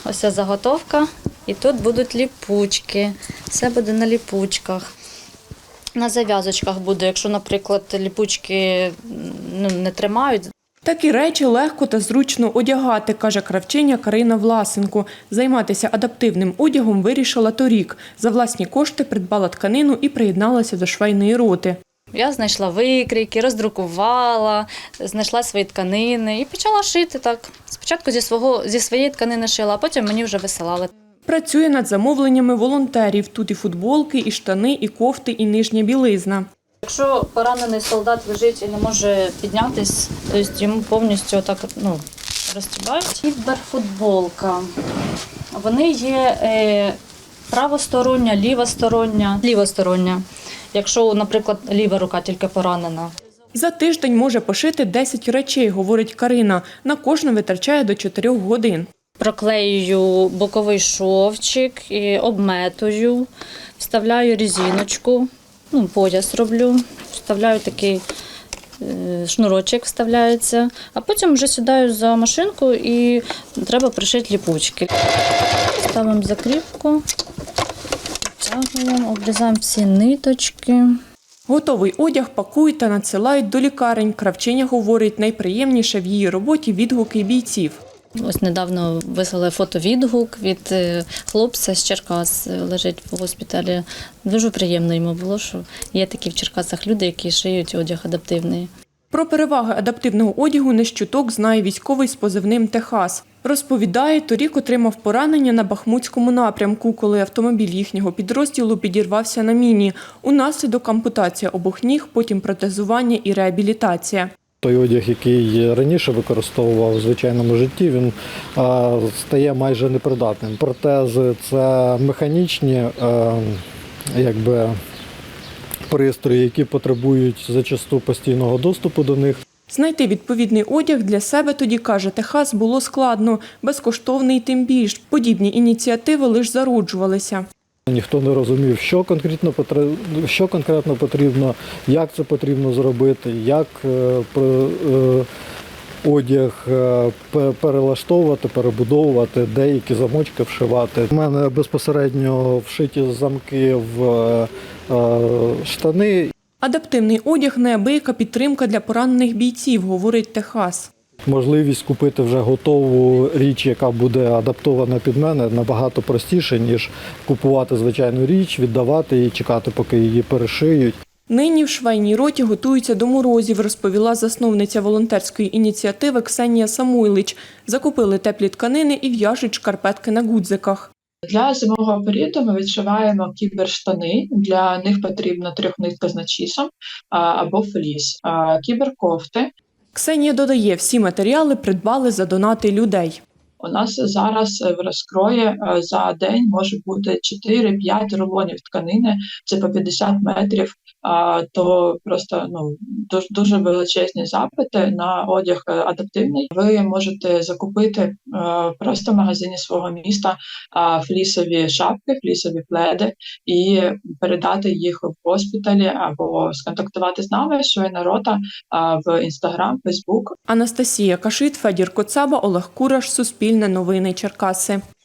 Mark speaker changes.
Speaker 1: ось ця заготовка, і тут будуть ліпучки. Все буде на ліпучках. На зав'язочках буде, якщо, наприклад, ліпучки не тримають.
Speaker 2: Такі речі легко та зручно одягати, каже кравчиня Карина Власенко. Займатися адаптивним одягом вирішила торік. За власні кошти придбала тканину і приєдналася до швейної роти.
Speaker 1: Я знайшла викрійки, роздрукувала, знайшла свої тканини і почала шити так. Спочатку зі своєї тканини шила, а потім мені вже висилали.
Speaker 2: Працює над замовленнями волонтерів. Тут і футболки, і штани, і кофти, і нижня білизна.
Speaker 1: Якщо поранений солдат лежить і не може піднятися, то йому повністю так, розтібають. Кіберфутболка. Вони є правостороння, лівостороння. Якщо, наприклад, ліва рука тільки поранена.
Speaker 2: За тиждень може пошити 10 речей, говорить Карина. На кожну витрачає до 4 годин.
Speaker 1: Проклеюю боковий шовчик, і обметую, вставляю резиночку, пояс роблю, вставляю такий шнурочок, вставляється, а потім вже сідаю за машинку і треба пришити ліпучки. Ставимо закріпку, втягуємо, обрізаємо всі ниточки.
Speaker 2: Готовий одяг пакують та надсилають до лікарень. Кравчиня говорить, найприємніше в її роботі відгуки бійців.
Speaker 1: Ось недавно вислали фотовідгук від хлопця з Черкас, лежить в госпіталі. Дуже приємно йому було, що є такі в Черкасах люди, які шиють одяг адаптивний.
Speaker 2: Про переваги адаптивного одягу не з чуток знає військовий з позивним «Техас». Розповідає, торік отримав поранення на Бахмутському напрямку, коли автомобіль їхнього підрозділу підірвався на міні. Унаслідок ампутація обох ніг, потім протезування і реабілітація.
Speaker 3: Той одяг, який раніше використовував у звичайному житті, він стає майже непридатним. Протези – це механічні пристрої, які потребують зачасту постійного доступу до них.
Speaker 2: Знайти відповідний одяг для себе, тоді, каже Техас, було складно. Безкоштовний тим більш. Подібні ініціативи лише зароджувалися.
Speaker 3: Ніхто не розумів, що конкретно потрібно, як це потрібно зробити, як одяг перелаштовувати, перебудовувати, деякі замочки вшивати. У мене безпосередньо вшиті замки в штани.
Speaker 2: Адаптивний одяг – неабияка підтримка для поранених бійців, говорить Техас.
Speaker 3: Можливість купити вже готову річ, яка буде адаптована під мене, набагато простіше, ніж купувати звичайну річ, віддавати її, чекати, поки її перешиють.
Speaker 2: Нині в швейній роті готуються до морозів, розповіла засновниця волонтерської ініціативи Ксенія Самойлич. Закупили теплі тканини і в'яжуть шкарпетки на гудзиках.
Speaker 4: Для зимового періоду ми відшиваємо кіберштани. Для них потрібно трьохнитка з начісом або фліс. Кіберкофти.
Speaker 2: Ксенія додає, всі матеріали придбали за донати людей.
Speaker 4: У нас зараз в розкрої за день може бути 4-5 рулонів тканини, це по 50 метрів, то просто дуже величезні запити на одяг адаптивний. Ви можете закупити просто в магазині свого міста флісові шапки, флісові пледи і передати їх в госпіталі або сконтактувати з нами, швейна рота, в Інстаграм, Фейсбук.
Speaker 2: Анастасія Кашит, Федір Коцаба, Олег Кураш, Суспільне новини Черкаси.